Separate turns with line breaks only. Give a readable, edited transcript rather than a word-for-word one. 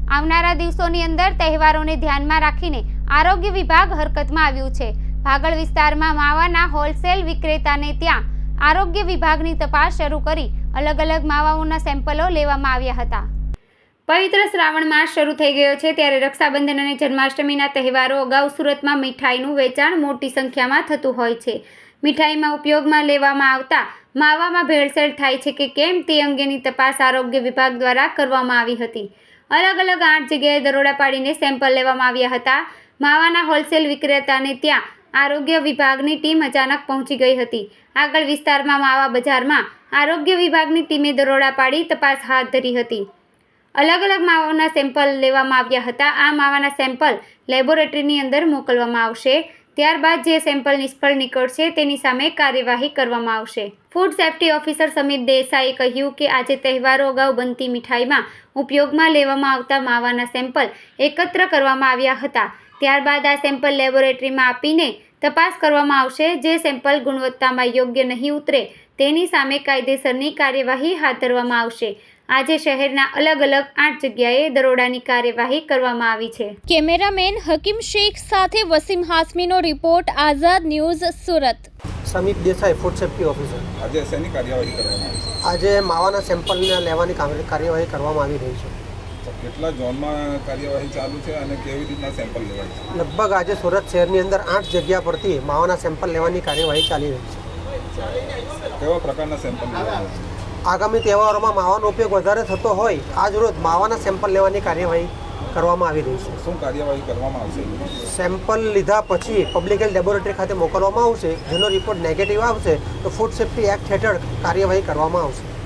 આવનારા દિવસોની અંદર તહેવારોને ધ્યાનમાં રાખીને આરોગ્ય વિભાગ હરકતમાં આવ્યું છે। ભાગળ વિસ્તારમાં માવાના હોલસેલ વિક્રેતાને ત્યાં આરોગ્ય વિભાગની તપાસ શરૂ કરી અલગ અલગ માવાઓના સેમ્પલો લેવામાં આવ્યા હતા। પવિત્ર શ્રાવણ માસ શરૂ થઈ ગયો છે ત્યારે રક્ષાબંધન અને જન્માષ્ટમીના તહેવારો અગાઉ સુરતમાં મીઠાઈનું વેચાણ મોટી સંખ્યામાં થતું હોય છે। મીઠાઈમાં ઉપયોગમાં લેવામાં આવતા માવામાં ભેળસેળ થાય છે કે કેમ તે અંગેની તપાસ આરોગ્ય વિભાગ દ્વારા કરવામાં આવી હતી। અલગ અલગ 8 જગ્યાએ દરોડા પાડીને સેમ્પલ લેવામાં આવ્યા હતા। માવાના હોલસેલ વિક્રેતાને ત્યાં આરોગ્ય વિભાગની ટીમ અચાનક પહોંચી ગઈ હતી। આગળ વિસ્તારમાં માવા બજારમાં આરોગ્ય વિભાગની ટીમે દરોડા પાડી તપાસ હાથ ધરી હતી। અલગ અલગ માવાના સેમ્પલ લેવામાં આવ્યા હતા। આ માવાના સેમ્પલ લેબોરેટરીની અંદર મોકલવામાં આવશે। ત્યારબાદ જે સેમ્પલ નિષ્ફળ નીકળશે તેની સામે કાર્યવાહી કરવામાં આવશે। ફૂડ સેફ્ટી ઓફિસર સમીર દેસાઈએ કહ્યું કે આજે તહેવારો અગાઉ બનતી મીઠાઈમાં ઉપયોગમાં લેવામાં આવતા માવાના સેમ્પલ એકત્ર કરવામાં આવ્યા હતા। ત્યારબાદ આ સેમ્પલ લેબોરેટરીમાં આપીને તપાસ કરવામાં આવશે। જે સેમ્પલ ગુણવત્તામાં યોગ્ય નહીં ઉતરે તેની સામે કાયદેસરની કાર્યવાહી હાથ ધરવામાં આવશે। આજે શહેરના અલગ અલગ 8 જગ્યાએ દરોડાની કાર્યવાહી કરવામાં આવી છે।
કેમેરામેન હકીમ શેખ સાથે વસીમ હાસમીનો report, Azad news, Surat.
Samir Desai, food safety officer.
આજે શેની કાર્યવાહી કરવામાં આવી છે?
આજે માવાના સેમ્પલને લેવાની કાર્યવાહી કરવામાં આવી રહી છે।
તો કેટલા ઝોનમાં કાર્યવાહી ચાલુ છે અને કેવી રીતના સેમ્પલ લેવાય છે?
લગભગ આજે સુરત શહેરની અંદર 8 જગ્યા પરથી માવાના સેમ્પલ લેવાની કાર્યવાહી ચાલી રહી છે।
કેવા પ્રકારના સેમ્પલ લેવાના છે?
આગામી તહેવારોમાં માવાનો ઉપયોગ વધારે થતો હોય આજ રોજ માવાના સેમ્પલ લેવાની કાર્યવાહી કરવામાં આવી રહી છે।
શું કાર્યવાહી કરવામાં આવશે?
સેમ્પલ લીધા પછી પબ્લિક હેલ્થ લેબોરેટરી ખાતે મોકલવામાં આવશે। જેનો રિપોર્ટ નેગેટિવ આવશે તો ફૂડ સેફ્ટી એક્ટ હેઠળ કાર્યવાહી કરવામાં આવશે।